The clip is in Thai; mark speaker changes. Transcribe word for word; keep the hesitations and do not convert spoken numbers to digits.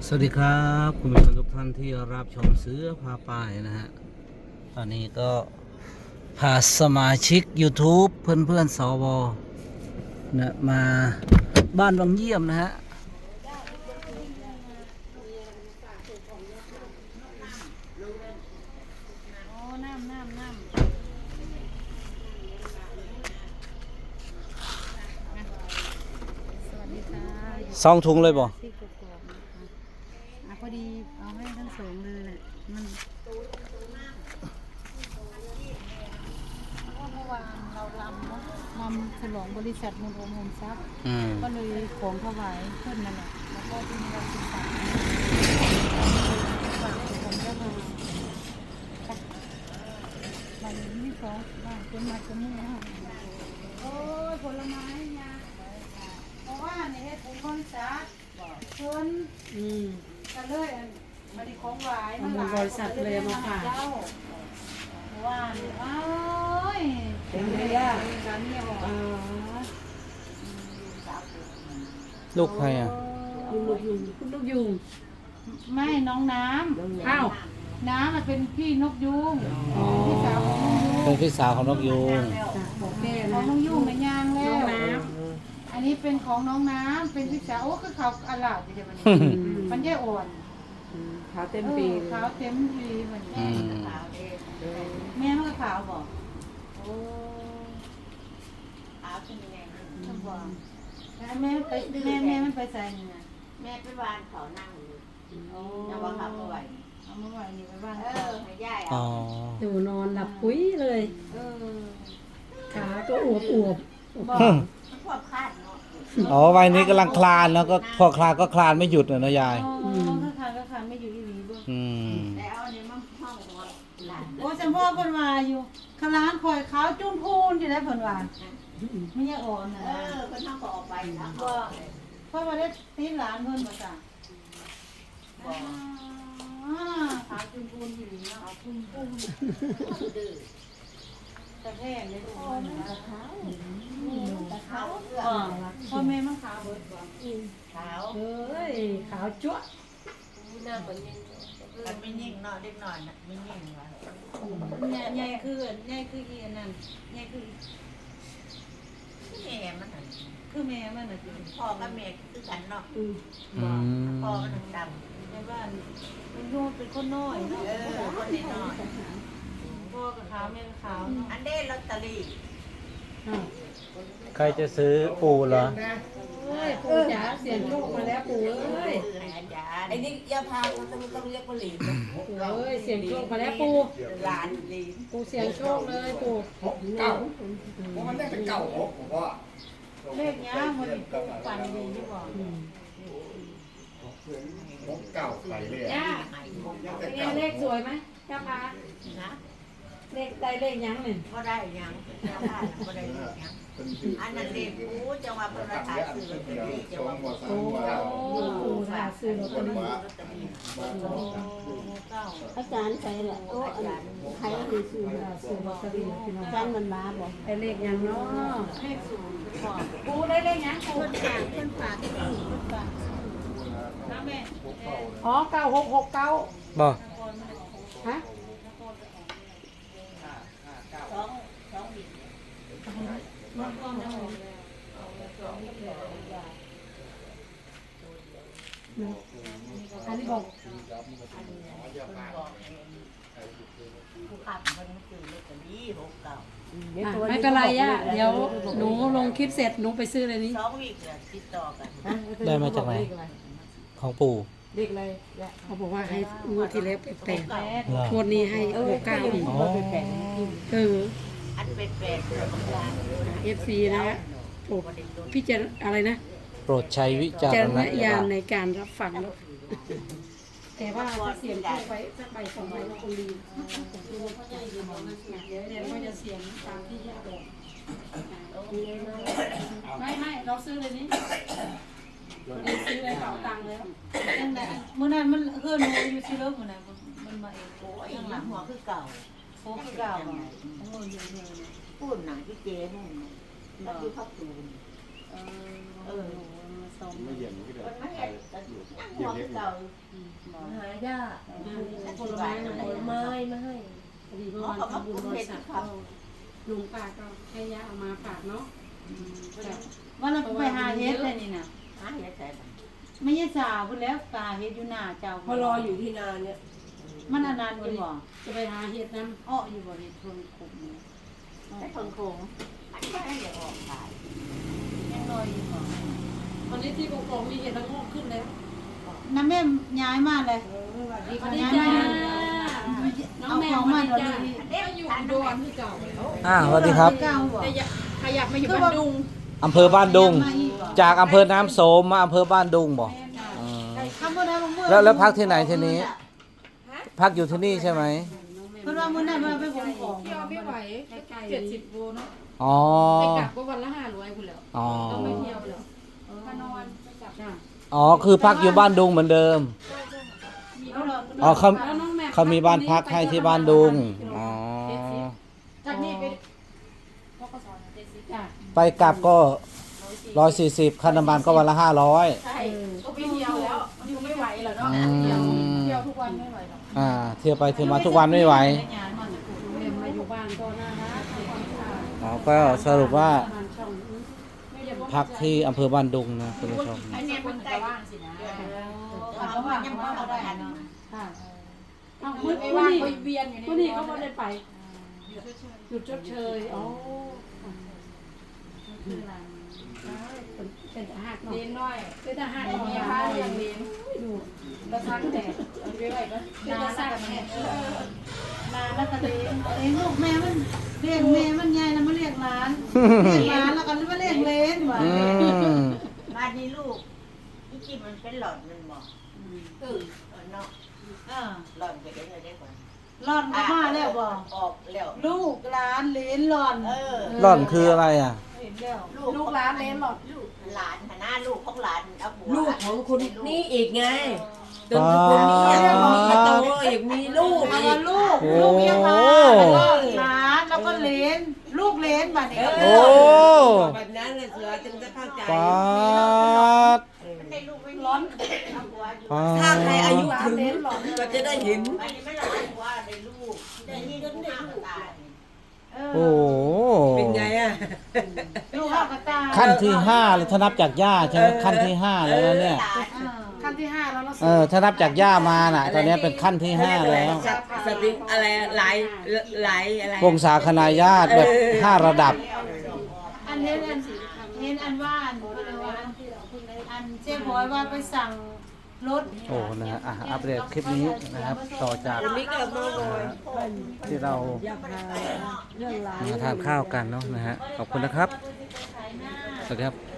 Speaker 1: สวัสดีครับคุณผู้ชมทุกท่านที่รับชมเสือพาป้ายนะฮะตอนนี้ก็พาสมาชิก YouTube เพื่อนเพื่อนสวนะมาบ้านวังเยี่ยมนะฮะสองถุงเลยบ่
Speaker 2: พอดีเอาให้ทั้งสองเลยแหละมันเพราะว่าเมื่อวานเราลำเนาะลำฉลองบริษัทมูลโอมโฮมซับก็เลยของถวายเพิ่นนั่นแหละแล้วก็ที่นี่เราศึกษาฝากของเจ้ามาวันนี้สองว่าคนมาคนนี้นะโอ้ยผลไม้เนี่ยเพราะว่าเนี่ยให้ผมบริษัทเพิ่นอืมกันเลยมันดีของหวายมันหลายบริษัทเลยมาฝากว่าเนี่ยอ้าวเป็นไงล่ะร้านนี้บอก
Speaker 1: ลูกใครอ่ะ
Speaker 2: คุณลูกยุงคุณลูกยุงไม่น้องน้ำอ้าวน้ำมันเป็นพี่นกยุงพี่สาวของนกยุง
Speaker 1: เป็นพี่สาวของนกยุง
Speaker 2: ของแม่ของนกยุงในยางแล้วอันนี้เป็นของน้องน้ำเป็นพี่สาวโอ้คือเขาอลาดเดี๋ยวมันมันแย่อ่อนขาวเต็มปีขาวเต็มปีเหมือนแม่ขาวเองแม่มันก็ขาวบอกโอ้ขาวเป็นยังไงต้องบอกแม่ไปแม่แม่มันไปใส่ยังไง
Speaker 3: แม่ไปวานเขานั่งอยู่ยังว่าเขาไม่ไหว
Speaker 2: เอาเมื่อวานนี้ไปบ้าน
Speaker 3: เออไม่ย่ายอ่ะ
Speaker 2: ดูนอนหลับปุ้ยเลยเออขาก็อวบอวบ
Speaker 3: บอกพวกคาดเนาะ
Speaker 1: อ๋อวัยนี้กำลังคลานแล้วก็พอคลานก็คลานไม่หยุดเลยนะยาย
Speaker 2: อ๋อถ้าคลานก็คลานไม่หยุดอีหลีด้วย
Speaker 1: อืม
Speaker 3: แต่เอาเนี่ยมันห้องของหลาน
Speaker 2: โอ้จำพ่อเพิ่นว่าอยู่ขลานคอยขาวจุ้มพูนอยู่ได้เพิ่นว่าไม่ยากอ่อนนะ
Speaker 3: เออเพิ่นห้องก็ออกไปนะก็
Speaker 2: เพราะว่าได้ตีหลานเพิ่นมาจ้ะ
Speaker 3: บอก
Speaker 2: ขาวจุ้มพูนอยู่เนาะจุ้มพูนดื้อแต่แพงเลยทุกคนนะขาว
Speaker 3: ขาวเอื้อ
Speaker 2: พ่อแม่มันขาวเบิดบ่
Speaker 3: ขาว
Speaker 2: เอ้ยขาวจั๊ว
Speaker 3: หน้าคนยิ่งมันไม่ยิ่งเนาะเด็กหน่อยน่ะไม่ยิ่งว่ะ
Speaker 2: ใหญ่คือใหญ่คืออีนั่นใหญ่คือ
Speaker 3: แม่มันน่ะ
Speaker 2: คือแม่มันน่ะ
Speaker 3: พ่อกับแม่คือกันเนาะพ่อมันดำ
Speaker 2: ในบ้านมันดูเป็นคนน้อยเนาะ
Speaker 3: เออคนน้อย
Speaker 2: พ่อกับขาวแม่กับขาว
Speaker 3: อันเด้ลอตเตอรี่
Speaker 1: ใครจะซื้อปูเหรอ
Speaker 2: เอ้ยปูจ๋าเสียงโชคมาแล้วปูเอ้ย
Speaker 3: ไอ้นี่ยาพาต้องต้องเรียกว่าหลีน
Speaker 2: ปูเอ้ยเสียงโชคมาแล้วปู
Speaker 3: หลานหลีน
Speaker 2: ปูเสียงโชคเลยปู
Speaker 4: เก่าเพราะมันได้เป็นเก่าผมว่า
Speaker 2: เลขนี้มันฝันดีที่บอก
Speaker 4: ผมเก่าไปเลย
Speaker 2: ย่าเป็นไงเลขสวยไหมย่าพา
Speaker 3: นะ
Speaker 2: เลขได้เลขยังหนึ่ง
Speaker 3: ก็ได้ยังก็ได้ยังอันนั้นเด็กกูจังหวะเพิ่นมาถ่ายซื้อลอตเตอรี่จังหวะ
Speaker 2: โอ้โหถ่ายซื้อลอตเตอรี่
Speaker 5: อาจารย์ใครแหละโอ้ใครก็คือซื้อ
Speaker 2: ซื้อลอตเตอรี่พี่น้อง
Speaker 5: อาจารย์มันมาบอก
Speaker 2: ได้เลขยังเนาะเลขศูนย์ปูได้เลขยังปู
Speaker 5: คนฝากคนฝากคนฝาก
Speaker 2: นะแม่
Speaker 5: อ๋อเก้าหกหกเก้า
Speaker 1: บ่
Speaker 5: ฮะ
Speaker 3: สองสองบิด
Speaker 5: อันนี้บอก
Speaker 3: ผู้ขับมันคือลอตเตอรี่หกเก้า
Speaker 2: ไม่เป็นไรย่าเดี๋ยวหนูลงคลิปเสร็จหนูไปซื้อเลยนี้
Speaker 3: สองวีคเลยติดต่อกัน
Speaker 1: ได้มาจากไหนของปู่
Speaker 5: เด็กอะไร
Speaker 2: เขาบอกว่าให้งวดที่แล้วแปดงวดนี้ให้หกเก้าอีกเออ
Speaker 3: อันเป็นแปดเลยบางอย่าง
Speaker 2: เอฟซีนะฮะโปรดพิจารอะไรนะ
Speaker 1: โปรดใช้วิจารณ
Speaker 2: ญาณในการรับฟังแล้วแต่ว่าถ้าเสียงเข้าไปสักใบสองใบก็คงดีเดี๋ยวเดี๋ยวก็จะเสียงตามที่ย่าบอกไม่ไม่เราซื้อเลยนี้ซื้อเลยเป๋าตังค์แล้วเมื่อนั้นมันเพื่อนมันอยู่ที่เลิกเมื่อนั้นมันมาเอง
Speaker 3: โอ้ยหลังหัวคือเก่า
Speaker 2: โอ้คือเก่าของเงินเยอะเลย
Speaker 3: พูดหนังที่เจ๊นู่นแล้วที่พักตูนเออเออ
Speaker 4: ไม่เย็นก็ได้
Speaker 3: มันไม่เห็น
Speaker 4: ก็บเห็ด
Speaker 5: เก่า
Speaker 3: หายาก
Speaker 5: ผลไม้ผลไม้มาให้
Speaker 2: พอดีเมื่อวานทำบุญบริษัทก็ลุงป้าก็ให้ยาเอามาฝากเนาะว่าเราไปหาเฮ็ดเลยนี่น่ะ
Speaker 3: หาเห็ดใส่
Speaker 2: ไม่ใช่สาวพุ่นแล้วกาเฮ็ดอยู่หน้าเจ้า
Speaker 5: พอรออยู่ที่นาเนี่ย
Speaker 2: มันอนนันต์อยู่บ่จะไปหาเฮ็ดน้ำอ้ออยู่บ่เฮ็ดทนขุมนี่
Speaker 3: ใส่คนโคงอันนี้ให้เดี๋ยวออกขาย
Speaker 2: ยังลอยอยู่บ่
Speaker 6: วันนี้ที่กองมีเห็ดละโงกขึ้นแล้ว
Speaker 2: น้ำแม่ย้ายมาเลย
Speaker 6: สวัสดี
Speaker 2: ย้าย
Speaker 6: จ้า
Speaker 2: มาเอาของมาเดี๋ยวนี้
Speaker 3: เด็ก
Speaker 6: อยู่
Speaker 3: ทาน
Speaker 6: อุด
Speaker 3: ด้วย
Speaker 6: รที่เก่าแล้ว
Speaker 1: อ่าสวัสดีครับ
Speaker 2: เก้าบ่
Speaker 6: แต่อยากขยับมาอยู่บ้านดุง
Speaker 1: อำเภอบ้านดุง จากอำเภอน้ำโสมมาอำเภอบ้านดุงบอกอืม
Speaker 2: คำว่าได้บ่มื้อ
Speaker 1: แล้วแล้วพักที่ไหนทีนี้ พักอยู่ที่นี่ใช่ไหม
Speaker 2: เพิ่นว่ามื้อนั้นมาไปขนของ
Speaker 6: เที่ยวไม่ไหวเจ็ดสิบโลเนาะ
Speaker 1: อ๋อ
Speaker 6: ไปกลับก็วันละห้าร้อยคุณแล้ว
Speaker 1: อ๋อ
Speaker 6: ต้องไปเที่ยวแล้วถ้านอนไปกลับ
Speaker 2: จ้ะ
Speaker 1: อ๋อคือพักอยู่บ้านดุงเหมือนเดิม
Speaker 2: เอาล่ะ
Speaker 1: อ๋อเขา
Speaker 6: แล้วน้องแม่
Speaker 1: เขามีบ้านพักให้ที่บ้านดุงอ๋อ
Speaker 6: จากนี้ไป
Speaker 2: จ้ะ
Speaker 1: ไปกลับก็ร้อยสี่สิบค่าน้ำมันก็วันละห้าร้อย
Speaker 6: ใช่ก็ไปเที่ยวแล้วอยู่ไม่ไหวแล้วเนาะ
Speaker 1: อื
Speaker 6: เที่ยว
Speaker 1: ม
Speaker 6: เที่ยวทุกวันไม่ไหวหรอก
Speaker 1: อ่าเที่ยวไปเที่ยวมาทุกวันไม่ไหว
Speaker 2: ได้งานมาน่ะคุณ
Speaker 6: เรียนมาอยู่บ้านก็น่ารักทำความสะอาด
Speaker 1: อ๋อก็สรุปว่า
Speaker 2: บ้านช่องนี้
Speaker 6: ไม่ได้ว่า
Speaker 1: พักที่อำเภอบ้านดุงนะคุณผู้ชม
Speaker 3: อันนี้มันใกล้ว่างสินะ
Speaker 2: เขาว่ายังว่าบ่ได้เนาะ
Speaker 6: ค่ะ
Speaker 2: เอ้า
Speaker 6: มื
Speaker 2: มื้
Speaker 6: อ
Speaker 2: อ
Speaker 6: ไป
Speaker 2: นี้
Speaker 6: ว่าง
Speaker 2: นี่
Speaker 6: ไปเวียนอยู่
Speaker 2: มื้อ
Speaker 6: นี่
Speaker 2: นี้
Speaker 6: ก็
Speaker 2: ก็
Speaker 6: ไม่
Speaker 2: บ่
Speaker 6: ได้
Speaker 2: ได้
Speaker 6: ไป
Speaker 2: ไป
Speaker 6: หยุดชดเชยอ๋อ
Speaker 2: คือหลานเป็นทหาร
Speaker 6: เลี้ยง
Speaker 2: เนาะ
Speaker 6: น้อย
Speaker 2: เป็นทหาร
Speaker 6: มี
Speaker 2: เนาะ
Speaker 6: พาเลี้ยงเลี้ยง
Speaker 2: ดู
Speaker 6: กระซังแต่เอาไปไว้ก็
Speaker 2: นา
Speaker 6: จะ
Speaker 2: แล้ว
Speaker 6: ซัก
Speaker 2: ก็
Speaker 6: แม่
Speaker 2: แม่นาแล้วก็เลี้ยงเลี้ยงลูกแม่มันเลี้ยงแม่มันใหญ่แล้วมาเลี้ยงหลานเลี้ยงหลานแล้วก็มาเลี้ยงเลนว่า
Speaker 1: อืม
Speaker 3: บ้านนี้ลูกที่กินมันเป็นหลอดมันบอกเออเนาะ
Speaker 2: อ่า
Speaker 3: หลอดไปได้เลยได้ก่อน
Speaker 2: หลอนก็มาแล้วบ่
Speaker 3: ออกแล้ว
Speaker 2: ลูกหลานเหลนหลอน
Speaker 3: เออ
Speaker 1: ร่อนคืออะไรอ่ะ
Speaker 2: เห็นแล้ว
Speaker 6: ลูกหลานเลี้ยงหรอก
Speaker 3: ลูกหลานหน้าลูกของหลานเอาผัว
Speaker 5: ลูกของคุณนี่อีกไงจ
Speaker 1: อ๋
Speaker 5: น
Speaker 1: อ
Speaker 5: คนนี้มีโตอีกมีลูก
Speaker 2: เอา
Speaker 5: อี
Speaker 2: ว่าก ลูก
Speaker 1: โอ้
Speaker 2: ลูกยังมาแล้วก็หลานแล้วก็เหลนลูกเหลนบัดนี้
Speaker 1: โอ้
Speaker 5: แบบนั้นเลยเสือจึงจะเข้าใจ
Speaker 1: ปาด
Speaker 3: มันได้ลูกไม่ร้อนเอาผัวอยู่
Speaker 1: ปาด
Speaker 5: ถ้าใครอายุถึงก็จะได้เห็น
Speaker 3: อันนี้ไม่ร้อนผัวได้ลูกได้นี่ก็ได้ลูกตาย
Speaker 2: เออ
Speaker 1: โอ้โห
Speaker 5: เป็นไงอ่ะ
Speaker 2: ลูกเข้ากระตาย
Speaker 1: ขั้นที่ห้าเลยถ้านับจากย่าใช่ไหมขั้นที่ห้าแล้วนะเนี่ย
Speaker 3: หลาน
Speaker 2: อ่า
Speaker 6: ขั้นที่ห้าแล้วเนาะ
Speaker 1: เออถ้านับจากย่ามาน่ะ ตอนนี้เป็นขั้นที่ห้าแล้ว
Speaker 5: สติอะไรหลายหลายอะไร
Speaker 1: วงศาคณาญาติแบบห้าระดับ
Speaker 2: อันเห็นอันเห็นอันว่าอันว่าอันเจ๊บอยว่าไปสั่งรถ
Speaker 1: โอ้นะฮะอ่ะอัปเดตคลิปนี้นะครับ ต่อจาก
Speaker 5: วันนี้ก็มาหน่อย
Speaker 1: ที่เรา
Speaker 5: อยากพาเรื่องราว
Speaker 1: มาทานข้าวกันเนาะนะฮะขอบคุณนะครับสวัสดีครับ